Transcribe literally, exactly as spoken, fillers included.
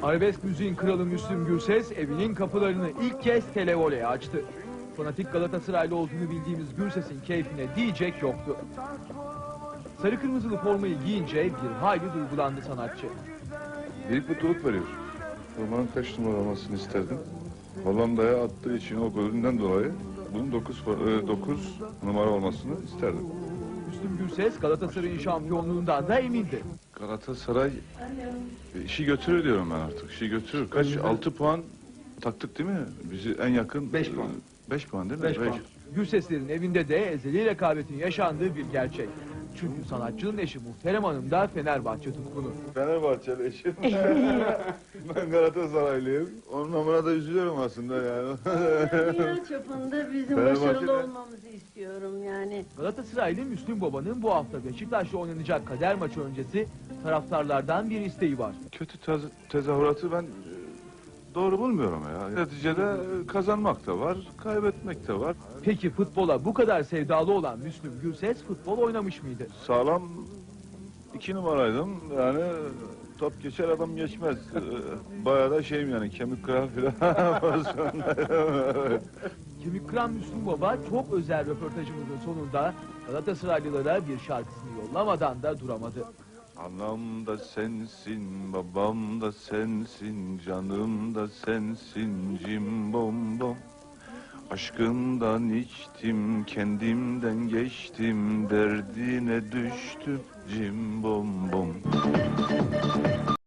Arabesk müziğin kralı Müslüm Gürses evinin kapılarını ilk kez televoleye açtı. Fanatik Galatasaraylı olduğunu bildiğimiz Gürses'in keyfine diyecek yoktu. Sarı kırmızılı formayı giyince bir hayli duygulandı sanatçı. Büyük mutluluk veriyor. Formanın kaç numara olmasını isterdim. Hollanda'ya attığı için o golünden dolayı bunun dokuz numara olmasını isterdim. Müslüm Gürses Galatasaray'ın şampiyonluğundan da emindi. Galatasaray işi götürür diyorum ben artık. İşi götürür. Kaç? altı puan taktık değil mi? Bizi en yakın... beş puan. beş puan değil mi? beş puan. Gürseslerin evinde de ezeli rekabetin yaşandığı bir gerçek. Çünkü sanatçının eşi Muhterem Hanım da Fenerbahçe tutkunu. Fenerbahçeli eşim. Ben Galatasaraylıyım. Onun namına da üzülüyorum aslında yani. Dünya çapında bizim Fenerbahçe'de- başarılı olmamızı istiyorum yani. Galatasaraylı Müslüm Baba'nın bu hafta Beşiktaş'la oynanacak kader maçı öncesi taraftarlardan bir isteği var. Kötü tez- tezahüratı ben e, doğru bulmuyorum ya. Neticede kazanmak da var, kaybetmek de var. Peki futbola bu kadar sevdalı olan Müslüm Gürses futbol oynamış mıydı? Sağlam iki numaraydım. Yani top geçer adam geçmez. Ee, Bayağı da şeyim yani kemik kırar filan pozisyondaydım. Kemik kıran Müslüm Baba çok özel röportajımızın sonunda Galatasaraylılara bir şarkısını yollamadan da duramadı. Anam da sensin, babam da sensin, canım da sensin, cimbom bom. Aşkından içtim, kendimden geçtim, derdine düştüm, cimbom bom.